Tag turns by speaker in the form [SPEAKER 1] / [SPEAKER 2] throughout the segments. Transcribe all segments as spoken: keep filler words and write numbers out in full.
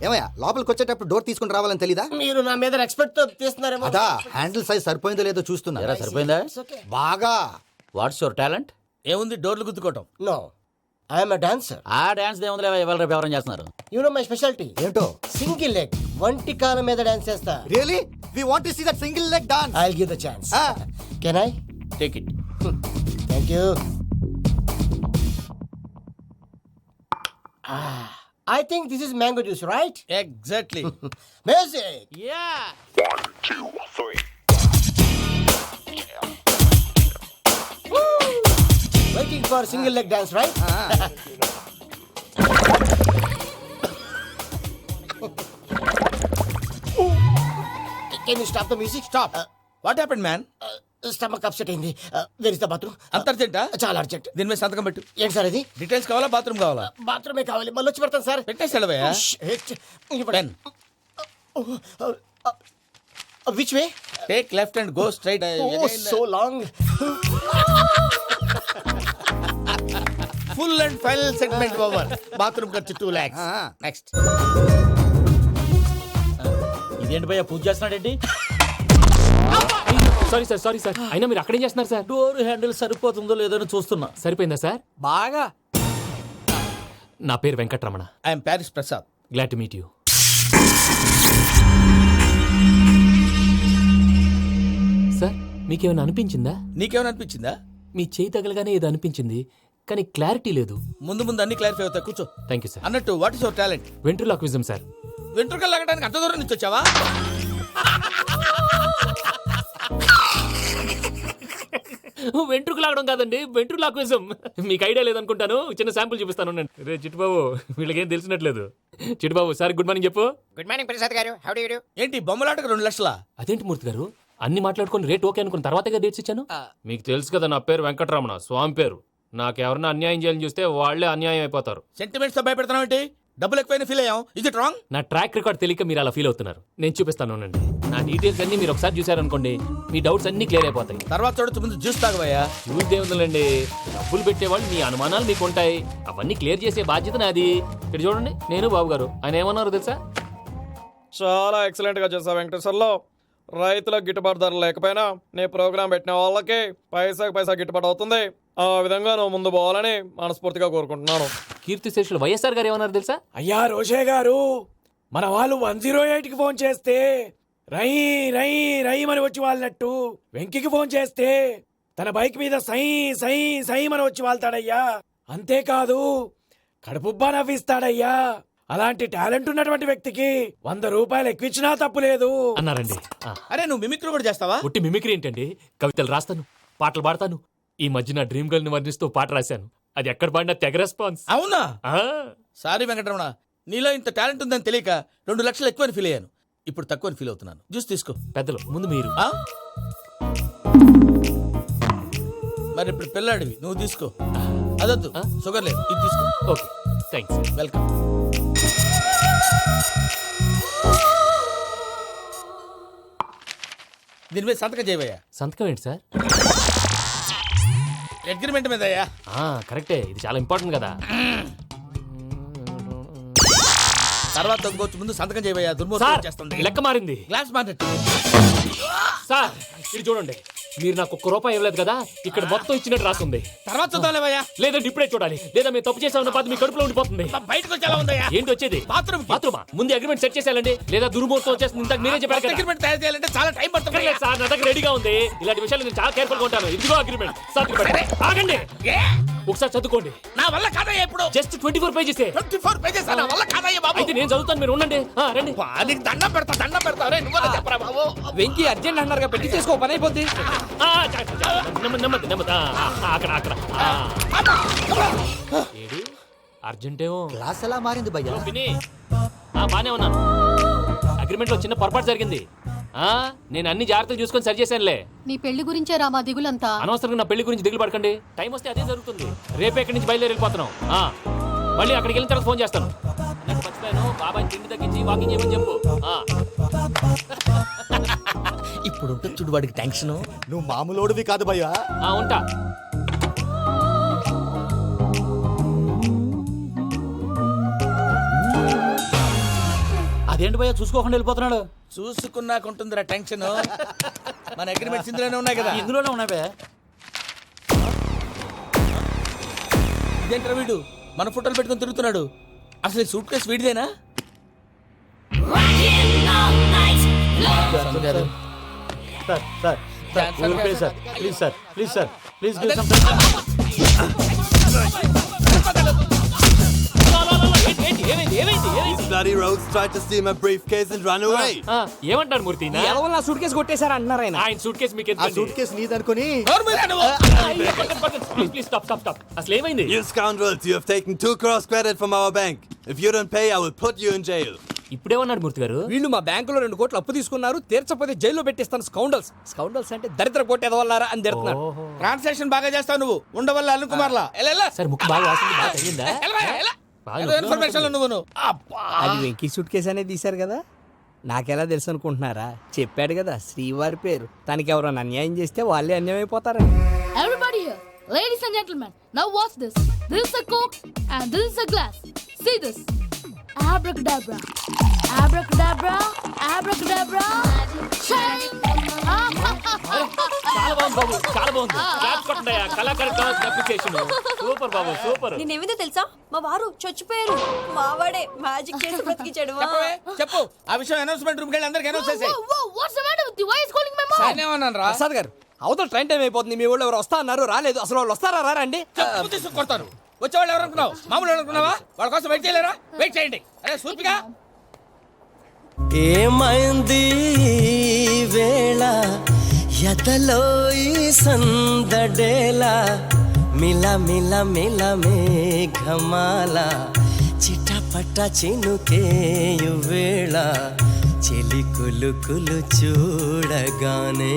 [SPEAKER 1] ఏమయ్యా లోపలికి వచ్చేటప్పుడు డోర్ తీసుకుని రావాలని తెలీదా?
[SPEAKER 2] మీరు నా మీద ఎక్స్పెక్ట్ తో తీస్తున్నారేమో.
[SPEAKER 1] అదా హ్యాండిల్ సైజ్ సరిపోయిందో లేదో చూస్తున్నా.
[SPEAKER 3] ఎరా సరిపోయిందా?
[SPEAKER 1] బాగా.
[SPEAKER 3] What's your talent?
[SPEAKER 4] ఏముంది డోర్లు గుద్దుకోవటం.
[SPEAKER 2] No I'm a dancer.
[SPEAKER 3] ఆ డాన్స్ దేవుందిలే, ఇవాళ రేపు ఎవరైనా చేస్తున్నారు.
[SPEAKER 2] యు నో మై స్పెషాలిటీ
[SPEAKER 1] ఏంటో?
[SPEAKER 2] సింగిల్ లెగ్, వంటి కాలం మీద డాన్స్ చేస్తా.
[SPEAKER 1] Really we want to see that single leg dance.
[SPEAKER 2] I will give the chance. Can I?
[SPEAKER 3] Take it.
[SPEAKER 2] Thank you. I think this is mango juice, right?
[SPEAKER 4] Exactly.
[SPEAKER 2] Music.
[SPEAKER 3] Yeah.
[SPEAKER 2] Waiting for single leg dance, right? Can you stop the music?
[SPEAKER 4] Stop. What happened man?
[SPEAKER 2] Stomach upset అయింది. Where is the bathroom?
[SPEAKER 4] అంత అర్జెంటా?
[SPEAKER 2] చాలా urgent.
[SPEAKER 4] దీని మీద సంతకం పెట్టు.
[SPEAKER 2] ఏంటి sir ఇది?
[SPEAKER 4] డీటెయిల్స్ కావాలా బాత్రూమ్ కావాలా?
[SPEAKER 2] బాత్రూమే కావాలి. మళ్ళీ వచ్చి పెడతాను సార్.
[SPEAKER 4] పెట్టేసి వెళ్ళవయ్యా. Pen.
[SPEAKER 2] Which way?
[SPEAKER 4] Take left and go straight.
[SPEAKER 2] Oh, so long.
[SPEAKER 4] Full and final segment over. Bathroom ఖర్చు టూ లాక్స్. నెక్స్ట్.
[SPEAKER 3] ఇదేంటి భయ్యా పూజ చేస్తున్నాడేంటి?
[SPEAKER 5] సారీ సార్ సారీ సార్ అయినా మీరు అక్కడేం చేస్తున్నారు సార్?
[SPEAKER 3] డోర్ హ్యాండిల్ సరిపోతుందో లేదో అని చూస్తున్నా.
[SPEAKER 5] సరిపోయిందా సార్?
[SPEAKER 3] బాగా.
[SPEAKER 5] నా పేరు Venkataramana.
[SPEAKER 4] I'm Paris Prasad.
[SPEAKER 5] Glad to meet you. Sir మీకేమైనా అనిపించిందా?
[SPEAKER 4] నీకేమైనా అనిపించిందా?
[SPEAKER 5] మీ చేయి తగలగానే ఏదో అనిపించింది, కానీ క్లారిటీ లేదు.
[SPEAKER 4] ముందు ముందు అన్ని క్లారిఫై అవుతాయి. కూర్చో.
[SPEAKER 5] Thank you sir.
[SPEAKER 4] అన్నట్టు what is your talent?
[SPEAKER 5] Ventriloquism sir.
[SPEAKER 4] వెంట్రుకలు లాగడానికి అంత దూరం నుంచి వచ్చావా?
[SPEAKER 5] వెంట్రుకు లాగడం కాదండి, వెంట్రులాక్విజం. మీకు ఐడియా లేదనుకుంటాను, చిన్న శాంపుల్ చూపిస్తాను. రే చిట్టుబాబు, వీళ్ళకేం తెలిసినట్లేదు. చిట్టుబాబు సార్ గుడ్ మార్నింగ్ చెప్పు.
[SPEAKER 2] Good morning Prasad garu. How do you do?
[SPEAKER 4] ఏంటి బొమ్మలాటకు రెండు లక్షలా?
[SPEAKER 5] అదేంటి మూర్తి గారు, అన్ని మాట్లాడుకుని రేట్ ఓకే అనుకున్న తర్వాతగా డేట్స్ ఇచ్చాను. మీకు తెలుసు కదా నా పేరు వెంకటరమణ, స్వామి పేరు. నాకెవరన్నా అన్యాయం చేయాలని చూస్తే వాళ్లే అన్యాయం అయిపోతారు.
[SPEAKER 4] సెంటిమెంట్స్ తో భయపెడతావు ఏంటి? డబ్బులు ఎక్కువైనా ఫీల్ అయ్యాం. Is it wrong?
[SPEAKER 5] నా ట్రాక్ రికార్డ్ తెలియక మీరు అలా ఫీల్ అవుతున్నారు. నేను చూపిస్తాను అండి. నా డీటెయిల్స్ అన్ని మీరు ఒకసారి చూసారనుకోండి, మీ డౌట్స్ అన్ని క్లియర్ అయిపోతాయి.
[SPEAKER 4] తర్వాత చూడొచ్చు, ముందు జ్యూస్ తాగవయ్యా.
[SPEAKER 5] చూస్ దేవుందండి, డబ్బులు పెట్టేవాళ్ళు మీ అనుమానాలు మీకు ఉంటాయి, అవన్నీ క్లియర్ చేసే బాధ్యత నాది. ఇక్కడ చూడండి, నేను బాబు గారు. ఆయన ఏమన్నారు తెలుసా?
[SPEAKER 6] చాలా ఎక్సలెంట్ గా చేసావు వెంకటేశ్వర్లో. రైతులకు గిట్టుబాటు ధర లేకపోయినా నీ ప్రోగ్రాం పెట్టిన వాళ్ళకి పైసాకి పైసా గిట్టుబాటు అవుతుంది. ఆ విధంగా నువ్వు ముందు పోవాలని మనస్ఫూర్తిగా కోరుకుంటున్నాను.
[SPEAKER 5] కీర్తి శేషులు వైఎస్ఆర్ గారు ఏమన్నారు తెలుసా?
[SPEAKER 7] అయ్యా రోషే గారు, మన వాళ్ళు వన్ జీరో ఎయిట్ కి ఫోన్ చేస్తే రై రై రై అని వచ్చి వాళ్ళనట్టు, వెంకికి ఫోన్ చేస్తే తన బైక్ మీద సై సై సై అని వచ్చి వాళ్తాడయ్యా. అంతేకాదు కడుపుబ్బా నవ్విస్తాడయ్యా. అలాంటి టాలెంట్ ఉన్నటువంటి వ్యక్తికి వంద రూపాయలు ఎక్కువచ్చినా తప్పు లేదు
[SPEAKER 5] అన్నారండి.
[SPEAKER 4] అరే నువ్వు మిమిక్రీ కూడా చేస్తావా?
[SPEAKER 5] ఒట్టి మిమిక్రీ ఏంటండి, కవితలు రాస్తాను, పాటలు పాడతాను. ఈ మధ్య నా డ్రీమ్ గర్ల్ ని వర్ణిస్తూ పాట రాశాను, అది ఎక్కడ పాడినా తెగ రెస్పాన్స్.
[SPEAKER 4] అవునా? సారీ వెంకటరమణ, నీలో ఇంత టాలెంట్ ఉందని తెలియక రెండు లక్షలు ఎక్కువని ఫీల్ అయ్యాను. ఇప్పుడు తక్కువని ఫీల్ అవుతున్నాను. జ్యూస్ తీసుకో.
[SPEAKER 5] పెద్దలు ముందు మీరు.
[SPEAKER 4] ఆ? మరి ఇప్పుడు పిల్లాడివి, నువ్వు తీసుకో. అదొద్దు, షుగర్ లేదు, ఇది తీసుకో.
[SPEAKER 5] Okay thanks.
[SPEAKER 4] వెల్కమ్. దీని మీద సంతకం చేయవయ్యా.
[SPEAKER 5] సంతకం ఏంటి సార్?
[SPEAKER 4] అగ్రిమెంట్ మీద అయ్యా.
[SPEAKER 5] కరెక్టే, ఇది చాలా ఇంపార్టెంట్ కదా.
[SPEAKER 4] తర్వాత తగ్గుకోవచ్చు, ముందు సంతకం చేయవయ్యా. దుర్మోహం చేస్తుంది.
[SPEAKER 5] లెక్క మారింది.
[SPEAKER 4] Glass market.
[SPEAKER 5] సార్ ఇది చూడండి, మీరు నాకు ఒక్క రూపాయి ఇవ్వలేదు కదా, ఇక్కడ మొత్తం ఇచ్చినట్టు రాస్తుంది.
[SPEAKER 4] తర్వాత చూద్దాంలేవయ్యా.
[SPEAKER 5] లేదంటే ఇప్పుడే చూడాలి, లేదా మేము తప్పు చేసామన్న బాధ మీ కడుపులో ఉండిపోతుంది.
[SPEAKER 4] బయటకు వచ్చేలా ఉందయ్యా.
[SPEAKER 5] ఏంటి వచ్చేది?
[SPEAKER 4] బాత్రూమ్.
[SPEAKER 5] బాత్రూమా? ముందు అగ్రిమెంట్ సెట్ చేసేయాలండి, లేదా దుర్మూర్తం వచ్చేస్తుంది. ఇంతకు మీరే చెప్పారు కదా.
[SPEAKER 4] అగ్రిమెంట్ తయారు చేయాలంటే చాలా టైం పడుతుంది
[SPEAKER 5] సార్. నా దగ్గర రెడీగా ఉంది. ఇలాంటి విషయాలు నేను చాలా కేర్ఫుల్ గా ఉంటాను. ఇదిగో అగ్రిమెంట్. ఆగండి, ఒకసారి చదువుకోండి.
[SPEAKER 4] నా వల్ల కాదయ్యా. ఇప్పుడు
[SPEAKER 5] just twenty four pages.
[SPEAKER 4] Twenty four pages నా వల్ల కాదయ్యా బాబు.
[SPEAKER 5] అయితే నేను చదువుతాను, మీరు ఉండండి. రండి.
[SPEAKER 4] నీకు దండం పెడతా, దండం పెడతా. రే నువ్వు చెప్పరా బాబు.
[SPEAKER 7] వెంకీ అర్జెంట్ అన్నారుగా, పెట్టి చేసుకో, పని అయిపోద్ది.
[SPEAKER 5] నెమ్మది నెమ్మది. అక్కడ అక్కడ ఏడి అర్జెంటేమో.
[SPEAKER 1] క్లాస్ ఎలా మారింది భయ్యా?
[SPEAKER 5] బానే ఉన్నాను. అగ్రిమెంట్ లో చిన్న పొరపాటు జరిగింది. ఆ నేను అన్ని జాగ్రత్తలు చూసుకొని సరి చేశానులే.
[SPEAKER 8] నీ పెళ్లి గురించే రామా దిగులంతా.
[SPEAKER 5] అనవసరంగా నా పెళ్లి గురించి దిగులు పడకండి. టైం వస్తే అదే జరుగుతుంది. రేపే ఇక్కడి నుంచి బయలుదేరి వెళ్ళిపోతున్నాం. మళ్ళీ అక్కడికి వెళ్ళిన తర్వాత ఫోన్ చేస్తాను. మర్చిపోయాను, బాబాయ్ తిండి తగ్గించి వాకింగ్ చేయమని చెప్పు.
[SPEAKER 4] ఇప్పుడు ఉంటుంది చూడు వాడికి టెన్షన్.
[SPEAKER 1] నువ్వు మామూలోడివి కాదు భయ్యా.
[SPEAKER 5] ఉంటా.
[SPEAKER 3] అదేంటి భయ్యా చూసుకోకుండా వెళ్ళిపోతున్నాడు?
[SPEAKER 4] చూసుకున్నాక ఉంటుందిరా టెన్షన్. మన అగ్రిమెంట్స్ ఇందులోనే ఉన్నాయి కదా.
[SPEAKER 3] ఇందులోనే ఉన్నాయి భయ్యా.
[SPEAKER 4] ఇదేంట్రా వీడు మన ఫోటోలు పెట్టుకొని తిరుగుతున్నాడు? అసలు ఈ సూట్ కేసు వీడిదేనా?
[SPEAKER 3] Sir sir sir please sir please sir please sir please give some
[SPEAKER 5] ఏంటి ఏమైంది ఏమైంది ఏమైంది
[SPEAKER 1] Bloody rogues tried to steal my briefcase and run away.
[SPEAKER 5] ఆ, ఏమంటారు మూర్తి నా-
[SPEAKER 2] నా సూట్ కేసు కొట్టేశారు అంటున్నారు ఆయన.
[SPEAKER 5] ఆయన సూట్ కేసు మీకు
[SPEAKER 1] ఆ సూట్ కేసు నీదనుకుని
[SPEAKER 5] please please stop stop stop అసలు ఏమైంది?
[SPEAKER 1] You scoundrels, you have taken two crores credit from our bank. If you don't pay, I will put you in jail.
[SPEAKER 5] ఇప్పుడేమన్నాడు మూర్తి గారు?
[SPEAKER 2] వీళ్ళు మా బ్యాంకులో రెండు కోట్లు అప్పు తీసుకున్నారు, తీర్చకపోతే జైల్లో పెట్టిస్తాను. స్కౌండల్స్ స్కౌండల్స్ అంటే దరిద్ర కోట ఎదవల్లారా అని తిడుతున్నారు.
[SPEAKER 4] ట్రాన్సాక్షన్ బాగా చేస్తావు నువ్వు, ఉండవల్ల అల్లు కుమార్లా. ఎలా
[SPEAKER 5] సార్ ముక్కు బాగా వాసింది బాగా తగ్గిందా? బాగా నొప్పిగా
[SPEAKER 4] ఇన్ఫర్మేషన్ నువ్వు నువ్వు.
[SPEAKER 2] అది వెంకీ సూట్ కేసు అనేది తీశారు కదా, నాకెలా తెలుసు అనుకుంటున్నారా? చెప్పాడు కదా శ్రీవారి పేరు. తనకి ఎవరైనా అన్యాయం చేస్తే వాళ్ళే అన్యాయం అయిపోతారని.
[SPEAKER 9] Everybody here, ladies and gentlemen, now watch this. This is a coke and this is a glass. See this. Abracadabra. Abracadabra. Abracadabra. Shine.
[SPEAKER 5] చాలా బాగుంది బాబు చాలా బాగుంది. క్లాప్స్ కొట్టండి కళాకారు అప్లికేషన్. సూపర్ బాబు సూపర్.
[SPEAKER 10] నేనేమిదో తెలుసా, మా వారు చచ్చిపోయారు. మావాడే మ్యాజిక్ చేసి బ్రతికించాడు.
[SPEAKER 4] చెప్పవే, చెప్పు ఆ విషయం. అనౌన్స్మెంట్ రూమ్ కి వెళ్ళి అందరికి అనౌన్స్ చేసేయ్.
[SPEAKER 9] Whoa, whoa, what's the matter with you? Why is calling my mom?
[SPEAKER 4] నేనేమన్నాను రా?
[SPEAKER 2] ప్రసాద్ గారు, అవతల ట్రైన్ టైం అయిపోతుంది. మీ వాళ్ళు ఎవరు వస్తా అన్నారు, రాలేదు. అసలు వాళ్ళు వస్తారా రారా అండి?
[SPEAKER 4] చెప్పు తీసుకు కొడతాను. వచ్చేవాళ్ళు ఎవరు అనుకున్నావు? మామూలు అనుకున్నావా? వాళ్ళ కోసం వెయిట్ చేయలేరా? వెయిట్ చేయండి. అరే సూపిగా
[SPEAKER 11] ఏమైంది వేళ ఎదలో ఈ సందడేలా మిల మిల మిల మేఘమాల చిటపట చినుకేయు వేళ చెలి కులు కులు చూడగానే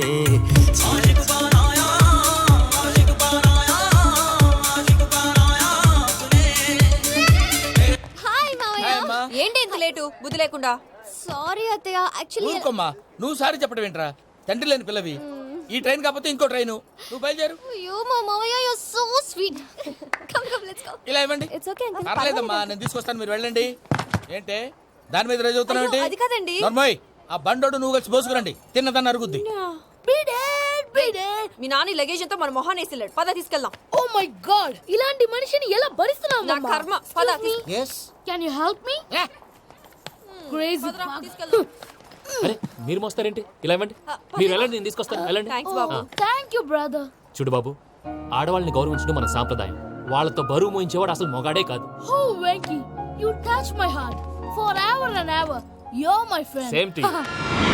[SPEAKER 10] హాయ్ మావయ్య. ఏంటి ఇంత లేటు బుద్ధి లేకుండా? సారీ అత్తయ్య, యాక్చువల్లీ
[SPEAKER 4] ఊరుకోమ్మా. నువ్వు సారీ చెప్పడం ఏంట్రా? తండ్రి లేని పిల్లవి. ఈ ట్రైన్ కాకపోతే ఇంకో ట్రైన్. నువ్వు బయలుదేరు.
[SPEAKER 10] అయ్యో మా మావయ్య, you are so sweet. Come come let's go.
[SPEAKER 4] ఇలా ఇవ్వండి.
[SPEAKER 10] It's okay uncle.
[SPEAKER 4] పర్లేదమ్మా, నేను తీసుకొస్తాను, మీరు వెళ్ళండి. ఏంటే దాని మీద రేజ్ అవుతున్నావు ఏంటి?
[SPEAKER 10] అది కాదండి.
[SPEAKER 4] నర్మోయ్, ఆ బండోడు నువ్వు కలిసి పోసుకురండి. తిన్నదాన్ని అరుగుద్ది.
[SPEAKER 9] Beat it.
[SPEAKER 10] మీ నాని లగేజ్ అంతా మన మొహాన్ని వేసిల్లాడు. పద తీసుకెళ్దాం.
[SPEAKER 9] Oh my God! ఇలాంటి మనిషిని ఎలా భరిస్తున్నావు?
[SPEAKER 10] నా కర్మ. పద తీసు-
[SPEAKER 1] Yes.
[SPEAKER 9] Can you help me? Crazy.
[SPEAKER 10] పదరా, తీసుకెళ్దాం.
[SPEAKER 5] అరే మీరు మోస్తారేంటి? ఇలా ఇవ్వండి. మీరు వెళ్ళండి, నేను తీసుకొస్తాను. వెళ్ళండి.
[SPEAKER 10] థాంక్స్ బాబు.
[SPEAKER 9] Thank you, brother.
[SPEAKER 5] చూడు బాబు, ఆడవాళ్ళని గౌరవించడం మన సాంప్రదాయం. వాళ్ళతో బరువు మోయించేవాడు అసలు మొగాడే కాదు.
[SPEAKER 9] Oh, Venky, you touch my heart forever and ever. You're my friend.
[SPEAKER 5] Same to you.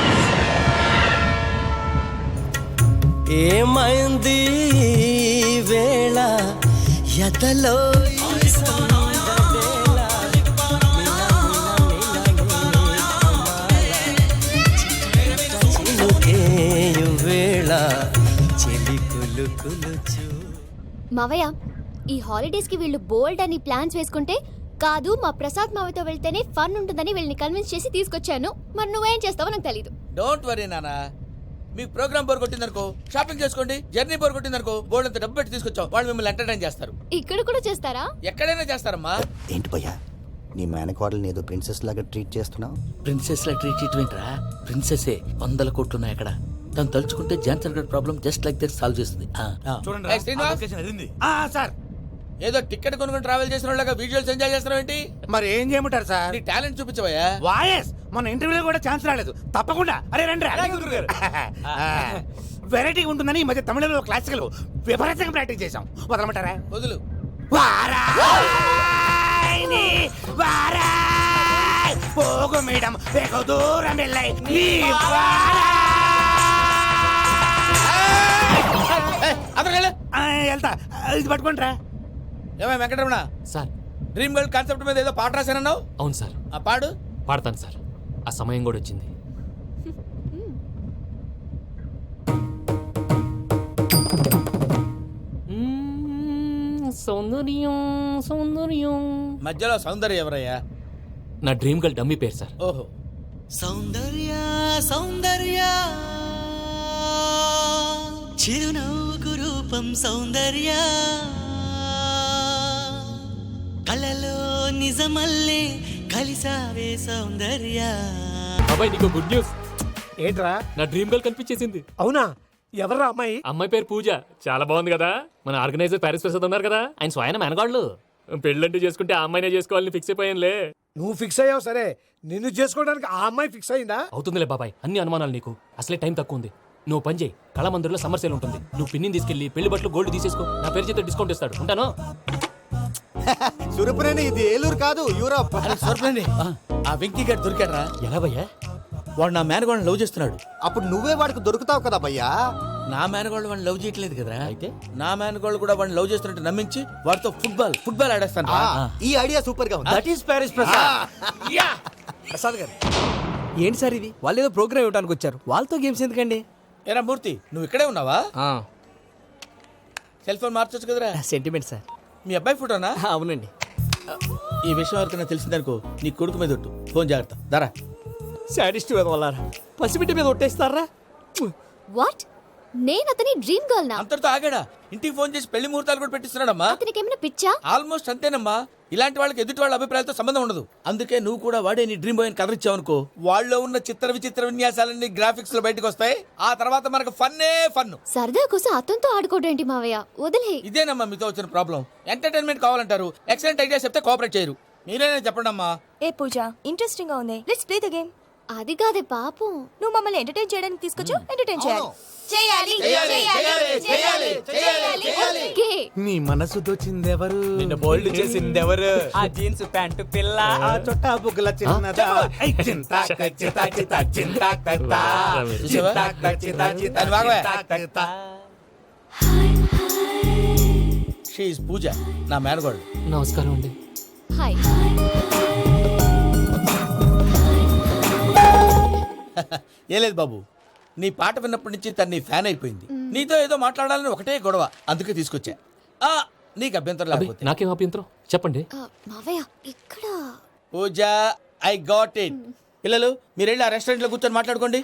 [SPEAKER 11] ఏమైంది వేళ ఎదలో ఈ సందడేల చినుకేయు వేళ చెలి కులు కులు చూ.
[SPEAKER 10] మావయ్య, ఈ హాలిడేస్ కి వీళ్ళు బోల్డ్ అని ప్లాన్స్ వేసుకుంటే కాదు మా ప్రసాద్ మావయ్యతో వెళ్తేనే ఫన్ ఉంటుందని వీళ్ళని కన్విన్స్ చేసి తీసుకొచ్చాను. మరి నువ్వేం చేస్తావో నాకు తెలీదు.
[SPEAKER 4] డోంట్ వరీ నానా. మీకు ప్రోగ్రామ్ బోర్ కొట్టిందనుకో షాపింగ్ చేసుకోండి. జర్నీ బోర్ కొట్టిందనుకో బోర్డు అంత డబ్బు పెట్టి తీసుకొచ్చాం. వాళ్ళు మిమ్మల్ని ఎంటర్టైన్ చేస్తారు.
[SPEAKER 10] ఇక్కడ కూడా చేస్తారా?
[SPEAKER 4] ఎక్కడైనా చేస్తారమ్మా.
[SPEAKER 1] ఏంటి భయ్యా, నీ మేనకోడల్ని ఏదో ప్రిన్సెస్ లాగా ట్రీట్ చేస్తున్నావు?
[SPEAKER 4] ప్రిన్సెస్ లా ట్రీట్ చేయటమేంట్రా? ప్రిన్సెసే వందల కోట్లు ఉన్నాయి అక్కడ. తను తలుచుకుంటే జాన్సన్ గడ్ problem just like that solve చేస్తుంది. ఏయ్ శ్రీనివాస్,
[SPEAKER 3] సార్
[SPEAKER 4] ఏదో టికెట్ కొనుక్కొని ట్రావెల్ చేసిన వాళ్ళగా విజువల్స్ ఎంజాయ్ చేస్తున్నావు ఏంటి?
[SPEAKER 3] మరి ఏం చేయమంటారు సార్?
[SPEAKER 4] నీ టాలెంట్ చూపించవయ్యా.
[SPEAKER 3] వాయస్ మన ఇంటర్వ్యూలో కూడా ఛాన్స్ రాలేదు. తప్పకుండా అరే రండి వెరైటీ ఉంటుందని ఈ మధ్య తమిళంలో క్లాసికల్ విపరీతంగా ప్రాక్టీస్ చేసాం. వదలమంటారా?
[SPEAKER 4] వదులు.
[SPEAKER 3] వారాయని వారాయ్ పోగు మేడం వెగు దూరం వెళ్ళై నీ వారాయ్.
[SPEAKER 4] అతను
[SPEAKER 3] ఆ, వెళ్తా. ఇది పట్టుకుంటారా?
[SPEAKER 4] ఏమై Venkataramana,
[SPEAKER 5] sir.
[SPEAKER 4] Dream girl concept మీద ఏదో పాట రాశానన్నావు.
[SPEAKER 5] అవును సార్.
[SPEAKER 4] ఆ పాడు.
[SPEAKER 5] పాడతాను సార్. ఆ సమయం కూడా వచ్చింది. మ్మ్, సౌందర్యం సౌందర్యం.
[SPEAKER 4] మధ్యలో సౌందర్య ఎవరయ్యా?
[SPEAKER 5] నా డ్రీమ్ గర్ల్ డమ్మీ పేరు సార్.
[SPEAKER 4] ఓహో.
[SPEAKER 11] సౌందర్య సౌందర్య చిరునవ్వుకు రూపం సౌందర్య కళలో నిజమల్లే కలిసావే సౌందర్య.
[SPEAKER 5] బాబాయ్ నీకు గుడ్ న్యూస్.
[SPEAKER 7] ఏంట్రా?
[SPEAKER 5] నా డ్రీమ్ గర్ల్ కనిపించేసింది.
[SPEAKER 7] అవునా? ఎవర్రా అమ్మాయి?
[SPEAKER 5] అమ్మాయి పేరు పూజ. చాలా బాగుంది కదా. మన ఆర్గనైజర్ ప్యారిస్ ప్రసాద్ ఉన్నారు కదా, ఆయన స్వయం మెనగాళ్ళు. పెళ్ళంటూ చేసుకుంటే ఆ అమ్మాయినే చేసుకోవాలని ఫిక్స్ అయిపోయానులే.
[SPEAKER 7] నువ్వు ఫిక్స్ అయ్యావు సరే, నిన్ను చేసుకోవడానికి ఆ అమ్మాయి ఫిక్స్ అయిందా?
[SPEAKER 5] అవుతుందిలే బాబాయ్, అన్ని అనుమానాలు నీకు. అసలే టైం తక్కువ ఉంది. నువ్వు పని చేయి, కళామందిర్లో సమ్మర్ సేల్ ఉంటుంది. నువ్వు పిన్నిని తీసుకెళ్లి పెళ్లి బట్టలు గోల్డ్ తీసేసుకో. నా పేరు చేత డిస్కౌంట్ ఇస్తాడు. ఉంటాను.
[SPEAKER 1] సురపురేని ఇది ఏలూరు కాదు, యూరప్.
[SPEAKER 4] సర్ప్లేండి. ఆ వెంకీ గారు దొరికాడరా? ఎలా భయ్యా? వాడు నా మేనగోళ్ళని లవ్ చేస్తున్నాడు.
[SPEAKER 1] అప్పుడు నువ్వే వాడికి దొరుకుతావు కదా భయ్యా.
[SPEAKER 4] నా మేనగోళ్ళు వాడిని లవ్ చేయట్లేదు కదరా. అయితే నా మేనగోళ్ళు కూడా వాడిని లవ్ చేస్తున్నట్టు నమ్మించి వాడితో ఫుట్బాల్ ఫుట్బాల్ ఆడేస్తాను.
[SPEAKER 1] ఈ ఐడియా సూపర్ గా ఉంది.
[SPEAKER 4] That is Paris Prasad.
[SPEAKER 2] Prasad garu ఏంటి సార్ ఇది? వాళ్ళు ఏదో ప్రోగ్రామ్ ఇవ్వడానికి వచ్చారు, వాళ్ళతో గేమ్స్ ఎందుకండి?
[SPEAKER 4] ఏరా మూర్తి, నువ్వు ఇక్కడే ఉన్నావా? సెల్ ఫోన్ మార్చొచ్చు కదరా.
[SPEAKER 2] Sentiment sir.
[SPEAKER 4] మీ అబ్బాయి ఫోటోనా?
[SPEAKER 2] అవునండి.
[SPEAKER 4] ఈ విషయం ఎవరికైనా తెలిసిందనుకో నీ కొడుకు మీద ఒట్టు. ఫోన్ జాగ్రత్త. దారా.
[SPEAKER 2] సాడిస్ట్ వాళ్ళారా, పసిబిడ్డ మీద ఒట్టేస్తారా?
[SPEAKER 10] వాట్? నేను అతని డ్రీమ్ గర్ల్ నా?
[SPEAKER 4] అంతటితో ఆగాడా? ఇంటికి ఫోన్ చేసి పెళ్లి ముహూర్తాలు కూడా పెట్టిస్తున్నాడమ్మా.
[SPEAKER 10] అతనికి ఏమైనా పిచ్చా?
[SPEAKER 4] ఆల్మోస్ట్ అంతేనమ్మా. ఇలాంటి వాళ్ళకి ఎదుటి వాళ్ళ అభిప్రాయాలతో సంబంధం ఉండదు. అందుకే నువ్వు కూడా వాడే నీ డ్రీమ్ బాయ్ కవర్ ఇచ్చావనుకో, వాళ్ళలో ఉన్న చిత్ర విచిత్ర విన్యాసాలన్నీ గ్రాఫిక్స్ లో బయటకు వస్తాయి. ఆ తర్వాత మనకు ఫన్నే ఫన్.
[SPEAKER 10] సరదా కోసం అతనితో ఆడుకోవడం ఏంటి మావయ్య? వదిలే.
[SPEAKER 4] ఇదేనమ్మా మీతో వచ్చిన ప్రాబ్లం. ఎంటర్టైన్మెంట్ కావాలంటారు, ఎక్సలెంట్ ఐడియా చెప్తే కోఆపరేట్ చేయరు. మీరేనా చెప్పండి అమ్మా.
[SPEAKER 12] ఏ పూజ, ఇంట్రెస్టింగ్ గా ఉంది. Let's play the game.
[SPEAKER 10] అది కాదే పాపం.
[SPEAKER 12] నువ్వు మమ్మల్ని ఎంటర్టైన్ చేయడానికి తీసుకొచ్చు, ఎంటర్టైన్ చేయాలి.
[SPEAKER 10] చేయాలి చేయాలి చేయాలి. ఓకే.
[SPEAKER 3] నీ మనసు దోచిందెవరు?
[SPEAKER 2] నిన్ను బోల్డ్ చేసింది ఎవరు? ఆ జీన్స్ ప్యాంటు పిల్ల,
[SPEAKER 3] ఆ చొట్టా బుగ్గల చిన్నదా. ఐ చింతా చితా చితా చింతా కత్తా.
[SPEAKER 4] చూసావా? దాన్ని బాగోయ్. షీ ఇస్ పూజ, నా మేనగోడు.
[SPEAKER 5] నమస్కారం అండి.
[SPEAKER 10] హాయ్.
[SPEAKER 4] ఏ లేదు బాబు, నీ పాట విన్నప్పటి నుంచి తను నీ ఫ్యాన్ అయిపోయింది. నీతో ఏదో మాట్లాడాలని ఒకటే గొడవ, అందుకే తీసుకొచ్చా. ఆ, నీకు అభ్యంతరం
[SPEAKER 5] అబ్బే,
[SPEAKER 4] లేకపోతే.
[SPEAKER 5] నాకేం అభ్యంతరం చెప్పండి.
[SPEAKER 10] ఆ, మావయ్య ఇక్కడ.
[SPEAKER 4] Pooja, I got it. పిల్లలు మీరు వెళ్ళి ఆ రెస్టారెంట్ లో కూర్చొని మాట్లాడుకోండి.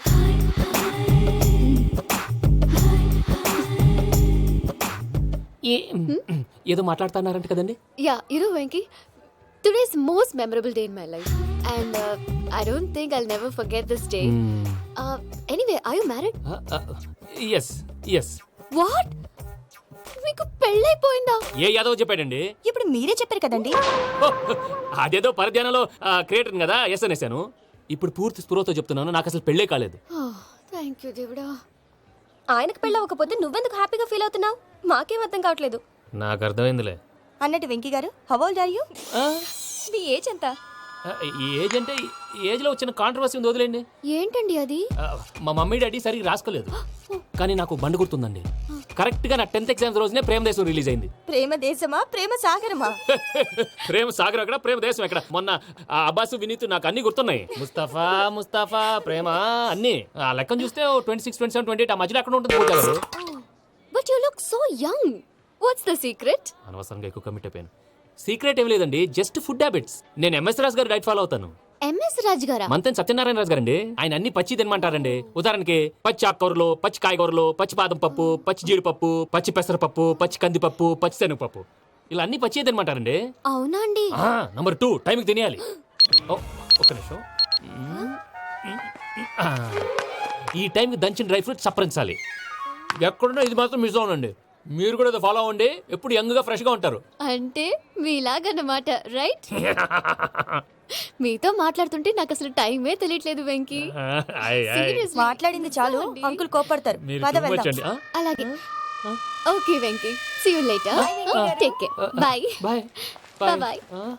[SPEAKER 5] ఏ- ఏదో మాట్లాడుతున్నారంట కదండి.
[SPEAKER 10] యా, ఇరు Venky. Today's most memorable day in my life, and uh, I don't think I'll never forget this day. Uh, anyway, are you married?
[SPEAKER 5] Yes yes.
[SPEAKER 10] What? మీకు పెళ్ళైపోయిందా?
[SPEAKER 5] ఏ యాదవ్ చెప్పాడండి?
[SPEAKER 12] ఇప్పుడు మీరే చెప్పారు కదండి.
[SPEAKER 5] అదేదో పరధ్యానంలో క్రియేటర్ కదా ఎస్ అనేసాను. ఇప్పుడు పూర్తి స్పృహతో చెప్తున్నాను, నాకు అసలు పెళ్ళే కాలేదు.
[SPEAKER 10] థ్యాంక్ యూ దేవుడా.
[SPEAKER 12] ఆయనకు పెళ్ళవకపోతే నువ్వెందుకు హ్యాపీగా ఫీల్ అవుతున్నావు? మాకేం అర్థం కావట్లేదు.
[SPEAKER 5] నాకు అర్థమైందిలే.
[SPEAKER 12] అన్నట్టు Venky garu, how old are you? మీ ఏజ్ ఎంత?
[SPEAKER 5] ఏజ్ అంటే ఏజ్ లో వచ్చిన కాంట్రవర్సీ ఉంది, వదిలేండి.
[SPEAKER 10] ఏంటండి అది?
[SPEAKER 5] ఆ, మా మమ్మీ డాడీ సరిగ్గా రాసుకోలేదు, కానీ నాకు బండి గుర్తుందండి. కరెక్ట్ గా నా టెన్త్ ఎగ్జామ్స్ రోజునే ప్రేమ దేశం రిలీజ్ అయింది.
[SPEAKER 12] ప్రేమ దేశమా ప్రేమ సాగరమా?
[SPEAKER 5] ప్రేమ సాగరం ఎక్కడ, ప్రేమ దేశం ఎక్కడ? మొన్న ఆ అబ్బాసు వినీత్ నాకు అన్ని గుర్తున్నాయి. ముస్తఫా ముస్తఫా ప్రేమ అన్ని ఆ లెక్కను చూస్తే twenty six twenty seven twenty eight ఆ మధ్యలో అక్కడ ఉంటుంది Pooja garu.
[SPEAKER 10] But you look so young. What's the secret?
[SPEAKER 5] అనవసరంగా ఎక్కువ కమిట్ అయిపోయాను. సీక్రెట్ ఏం లేదండి, జస్ట్ ఫుడ్ హ్యాబిట్స్. నేను MS Raju garu diet follow అవుతాను.
[SPEAKER 10] ఎంఎస్ రాజు గారా?
[SPEAKER 5] మంతెన్ సత్యనారాయణ రాజు గారండి. ఆయన అన్ని పచ్చి తినమంటారండి. ఉదాహరణకి పచ్చి ఆకుకూరలు, పచ్చి కాయగూరలు, పచ్చి బాదం పప్పు, పచ్చి జీడిపప్పు, పచ్చి పెసరపప్పు, పచ్చి కందిపప్పు, పచ్చి శనగపప్పు, ఇలా అన్ని పచ్చి తినమంటారండి.
[SPEAKER 10] అవునా అండి?
[SPEAKER 5] నంబర్ టూ, టైంకి తినేయాలి. ఓ, ఒక్క నిమిషం. ఆ, ఈ టైంకి దంచిన డ్రై ఫ్రూట్స్ సప్పరించాలి. ఎక్కడున్నా ఇది మాత్రం మిస్ అవునండి. మీరు కూడా ఫాలో అవ్వండి, ఎప్పుడు యంగ్ గా ఫ్రెష్ గా ఉంటారు.
[SPEAKER 10] అంటే మీలాగన్నమాట, రైట్? మీతో మాట్లాడుతుంటే నాకు అసలు టైమే తెలియట్లేదు వెంకీ. Seriously.
[SPEAKER 12] మాట్లాడింది చాలు, అంకుల్ కోపడతారు.
[SPEAKER 5] మీరు
[SPEAKER 12] పద
[SPEAKER 5] too much
[SPEAKER 12] వెళ్దాం.
[SPEAKER 5] అండి. ఆ?
[SPEAKER 10] అలాగే. Okay Venky, see you later. Take care. Bye
[SPEAKER 5] bye
[SPEAKER 10] bye bye.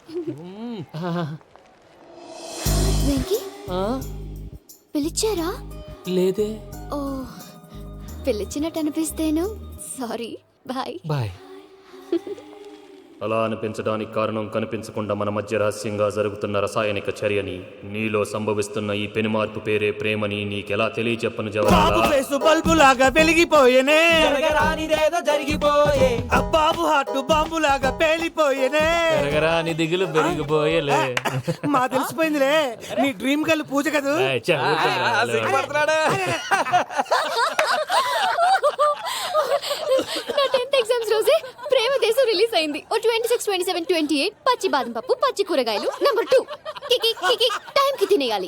[SPEAKER 10] Venky పిలిచారా?
[SPEAKER 5] లేదే.
[SPEAKER 10] ఓ, పిలిచినట్టు అనిపిస్తేను సారీ. Bye
[SPEAKER 5] bye. అలా అనిపించడానికి కారణం కనిపించకుండా మన మధ్య రహస్యంగా జరుగుతున్న రసాయనిక చర్యని, నీలో సంభవిస్తున్న ఈ పెనుమార్పు పేరే ప్రేమని నీకెలా తెలియచెప్పను జవహర్లాల్?
[SPEAKER 3] బల్బు లాగా వెలిగిపోయేనే,
[SPEAKER 2] జరిగిపోయే
[SPEAKER 3] బాబు హార్ట్ బాంబు లాగా పేలిపోయేనే.
[SPEAKER 5] పెరగరా నీ దిగులు పెరిగిపోయేలే.
[SPEAKER 3] మా తెలిసిపోయిందిలే, నీ డ్రీమ్ గర్ల్ పూజ కదా.
[SPEAKER 5] ఏయ్, చా, ఊరుకోరా.
[SPEAKER 10] నా టెన్త్ ఎగ్జామ్స్ రోజే ప్రేమ దేశం రిలీజ్ అయింది ఓ twenty six twenty seven twenty eight పచ్చి బాదం పప్పు పచ్చి కూరగాయలు నంబర్ టూ కికి కికి టైం కి తినేయాలి.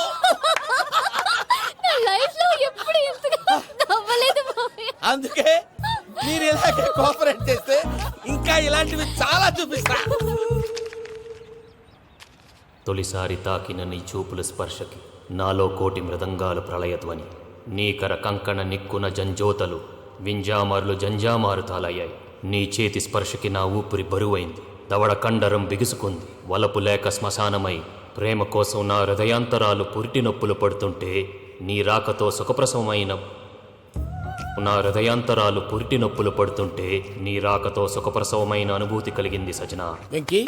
[SPEAKER 10] నా లైఫ్ లో ఎప్పుడు ఇంతగా నవ్వలేదు మామయ్య.
[SPEAKER 4] అందుకే మీరు ఇలాగే కోఆపరేట్ చేస్తే ఇంకా ఇలాంటివి చాలా చూపిస్తా.
[SPEAKER 5] తొలిసారి తాకిన నీ చూపుల స్పర్శకి నాలో కోటి మృదంగాలు ప్రళయధ్వని, నీకర కంకణ నిక్కున జంజోతలు వింజామారులు జంజామారు తాలయ్యాయి. నీ చేతి స్పర్శకి నా ఊపిరి బరువైంది, దవడ కండరం బిగుసుకుంది. వలపు లేక శ్మశానమై ప్రేమ కోసం నా హృదయాంతరాలు పురిటి నొప్పులు పడుతుంటే నీ రాకతో సుఖప్రసవమైన నా హృదయాంతరాలు పురిటి నొప్పులు పడుతుంటే నీ రాకతో సుఖప్రసవమైన అనుభూతి కలిగింది సజనా.
[SPEAKER 4] వెంకీ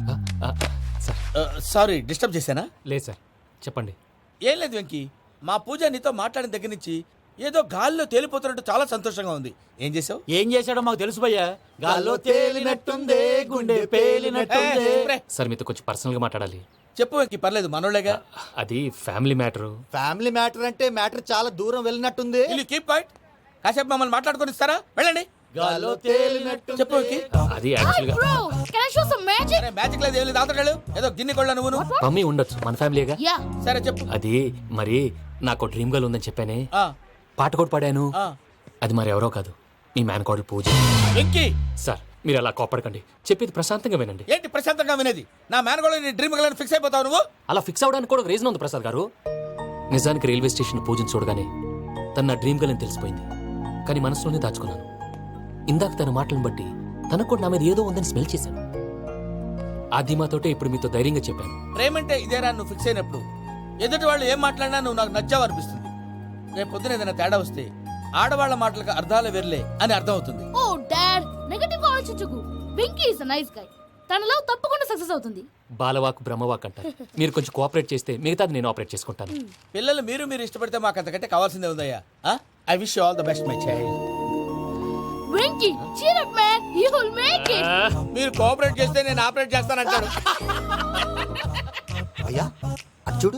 [SPEAKER 4] సారీ డిస్టర్బ్ చేశానా?
[SPEAKER 5] లేదు సార్, చెప్పండి.
[SPEAKER 4] ఏం లేదు వెంకీ, మా పూజ నీతో మాట్లాడిన దగ్గర నుంచి ఏదో గాల్లో తేలిపోతున్నట్టు చాలా సంతోషంగా ఉంది. ఏం చేసావు?
[SPEAKER 3] ఏం చేశాడో మాకు తెలుసు భయ్యా. గాల్లో తేలినట్టుందే గుండె పేలినట్టుందే.
[SPEAKER 5] సార్ మీతో కొంచెం పర్సనల్గా మాట్లాడాలి.
[SPEAKER 4] చెప్పు వెంకీ, పర్లేదు మనోళ్ళేగా.
[SPEAKER 5] అది ఫ్యామిలీ మ్యాటరు.
[SPEAKER 3] ఫ్యామిలీ మ్యాటర్ అంటే మ్యాటర్ చాలా దూరం వెళ్ళినట్టుంది.
[SPEAKER 4] Keep quiet. కాసేపు మమ్మల్ని మాట్లాడుకొని ఇస్తారా? వెళ్ళండి.
[SPEAKER 3] గాల్లో తేలినట్టు
[SPEAKER 4] చెప్పు వెంకీ.
[SPEAKER 5] అది యాక్చువల్గా
[SPEAKER 9] Bro, can I show some magic?
[SPEAKER 4] Magic లేదు, ఏం లేదు. ఆతడాడు ఏదో గిన్నె కొళ్ళ నువ్వు.
[SPEAKER 5] మమ్మీ ఉండొచ్చు, మన ఫ్యామిలీగా.
[SPEAKER 9] Yeah.
[SPEAKER 4] సరే చెప్పు.
[SPEAKER 5] అది మరి నాకు డ్రీమ్ గర్ల్ ఉందని చెప్పానే,
[SPEAKER 4] ఆ,
[SPEAKER 5] పాట కూడా పాడాను.
[SPEAKER 4] ఆ.
[SPEAKER 5] అది మరి ఎవరో కాదు, నీ మేనకోడలు పూజ.
[SPEAKER 4] వెంకీ
[SPEAKER 5] సార్ మీరు అలా కోపడకండి, చెప్పేది ప్రశాంతంగా వినండి.
[SPEAKER 4] ఏంటి ప్రశాంతంగా వినేది? నా మేనగోళ్ళు నీ డ్రీమ్ గర్ల్ ఫిక్స్ అయిపోతావు నువ్వు.
[SPEAKER 5] అలా ఫిక్స్ అవడానికి కూడా ఒక రీజన్ ఉంది ప్రసాద్ గారు. నిజానికి రైల్వే స్టేషన్ పూజను చూడగానే తన నా డ్రీమ్ గర్ల్ అని తెలిసిపోయింది, కానీ మనసులోనే దాచుకున్నాను. ఇందాక తన మాటలను బట్టి తనకు కూడా నా మీద ఏదో ఉందని స్మెల్ చేశాను. ఆ ధీమాతోటే ఇప్పుడు మీతో ధైర్యంగా చెప్పాను.
[SPEAKER 4] ప్రేమంటే ఇదేరా నువ్వు ఫిక్స్ అయినప్పుడు. ఎదుటి వాళ్ళు ఏం మాట్లాడినా నువ్వు నాకు నచ్చావు అనిపిస్తుంది. రేపు పొద్దున ఏదైనా తేడా వస్తే ఆడవాళ్ల మాటలకు అర్థాలు వెర్లే అని అర్థం అవుతుంది.
[SPEAKER 9] Oh, Dad, నెగటివ్ గా ఆలోచించకు. Venky is a nice guy. తన లవ్ తప్పకుండా సక్సెస్ అవుతుంది.
[SPEAKER 5] బాలవాక్ బ్రహ్మవాక్ అంటారు. మీరు కొంచెం కోఆపరేట్ చేస్తే మిగతాది నేను ఆపరేట్ చేసుకుంటాను.
[SPEAKER 4] పిల్లలు మీరు మీరు ఇష్టపడితే మాకు అంతకంటే కావాల్సిందే ఉందయ్యా. I wish you all the best my child.
[SPEAKER 9] Venky, cheer up man, you will make it.
[SPEAKER 4] మీరు కోఆపరేట్ చేస్తే నేను ఆపరేట్ చేస్తానంటాడు.
[SPEAKER 3] అయ్యా అది చూడు.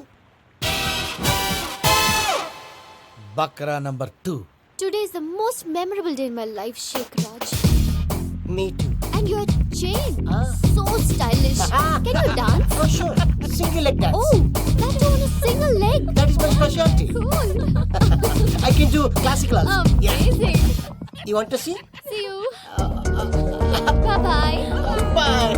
[SPEAKER 4] బక్రా number two.
[SPEAKER 10] Today is the most memorable day in my life, Sheikh Raj.
[SPEAKER 3] Me too.
[SPEAKER 10] And your chain, so stylish. Can you dance?
[SPEAKER 3] Oh sure. Single leg dance.
[SPEAKER 10] Oh, that too on a single leg.
[SPEAKER 3] That is my specialty.
[SPEAKER 10] Cool.
[SPEAKER 3] I can do classical also.
[SPEAKER 10] Amazing.
[SPEAKER 3] You want to see?
[SPEAKER 10] See you. Bye bye.
[SPEAKER 3] Bye.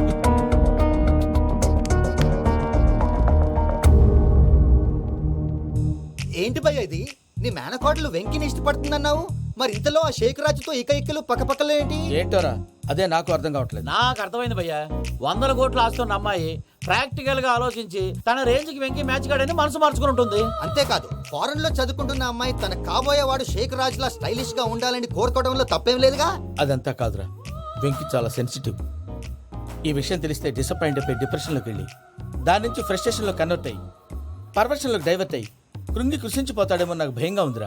[SPEAKER 3] ఏంటి భయ్య ఇది? నీ మేనకోడలు వెంకిని ఇష్టపడుతుందన్నావు, మరి ఇంతలో ఆ షేక్ రాజుతో ఇక ఇక్కలు పక్కపక్కలు ఏంటి?
[SPEAKER 4] ఏంటోరా అదే నాకు అర్థం కావట్లేదు.
[SPEAKER 3] నాకు అర్థమైంది భయ్యా. వందల కోట్లు ఆస్తున్న అమ్మాయి ప్రాక్టికల్ గా ఆలోచించి తన రేంజ్ కి వెంకి మ్యాచ్ కాడని మనసు మార్చుకుని ఉంటుంది. అంతేకాదు, ఫారెన్ లో చదువుకుంటున్న అమ్మాయి తన కాబోయేవాడు షేక్ రాజ్ లా స్టైలిష్ గా ఉండాలని కోరుకోవడంలో తప్పేం లేదుగా.
[SPEAKER 4] అదంతా కాదురా, వెంకి చాలా సెన్సిటివ్. ఈ విషయం తెలిస్తే డిసప్పాయింట్ అయిపోయి డిప్రెషన్లోకి వెళ్ళి దాని నుంచి ఫ్రస్ట్రేషన్లో కన్వర్ట్ అయ్యి పర్వర్షన్లోకి డైవర్ట్ అయ్యి కృంగి కృషించిపోతాడేమో నాకు భయంగా ఉందిరా.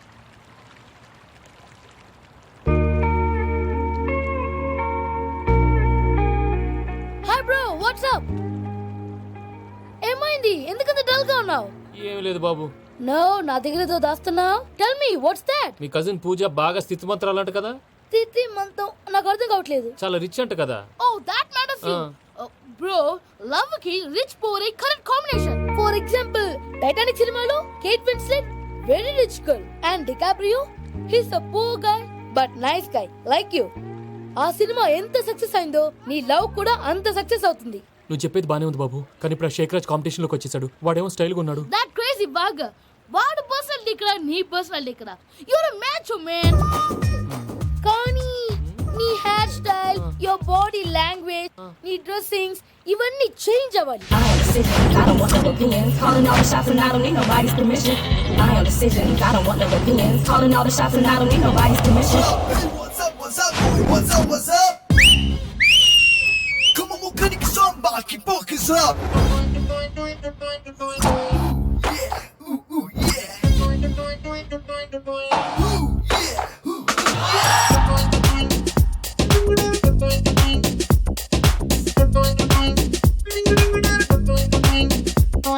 [SPEAKER 9] Hi bro, what's up? ఏమైంది? ఎందుకంత డల్ గా ఉన్నావు?
[SPEAKER 5] ఏం లేదు బాబు.
[SPEAKER 9] నో, నా దగ్గర ఏదో దాస్తున్నావు. Tell me what's that?
[SPEAKER 5] మీ కజిన్ పూజ బాగా స్థితిమంతరాలు అంట కదా.
[SPEAKER 9] స్థితి మంతం నాకు అర్థం కావట్లేదు.
[SPEAKER 5] చాలా రిచ్ అంట కదా.
[SPEAKER 9] Oh that matters you. Bro, love కి rich poor a correct combination. For example, Titanic సినిమాలో Kate Winslet very rich girl and DiCaprio he's a poor guy but nice guy like you. ఆ సినిమా ఎంత success అయిందో నీ love కూడా అంత success అవుతుంది.
[SPEAKER 5] నువ్వు చెప్పేది బానే ఉంది బాబు, కానీ ఇప్పుడు షేక్ రాజ్ కాంపిటీషన్ లోకి వచ్చేసాడు. వాడేమో స్టైల్ గా ఉన్నాడు.
[SPEAKER 9] That crazy bag. వాడు పర్సనాలిటీ ఇక్కడ, నీ పర్సనాలిటీ ఇక్కడ. You're a match man. కానీ నీ hair style, your body language, నీ డ్రెస్సింగ్స్ ఇవన్నీ చేంజ్ అవ్వాలి.
[SPEAKER 13] I don't want no opinions, calling all the shots and I don't need nobody's permission. My own decisions, I don't want no opinions, calling all the shots and I don't need nobody's permission.
[SPEAKER 14] What's up, what's up, boy? What's up, what's up? Come on, mon chronique sombre, qui porte que ça.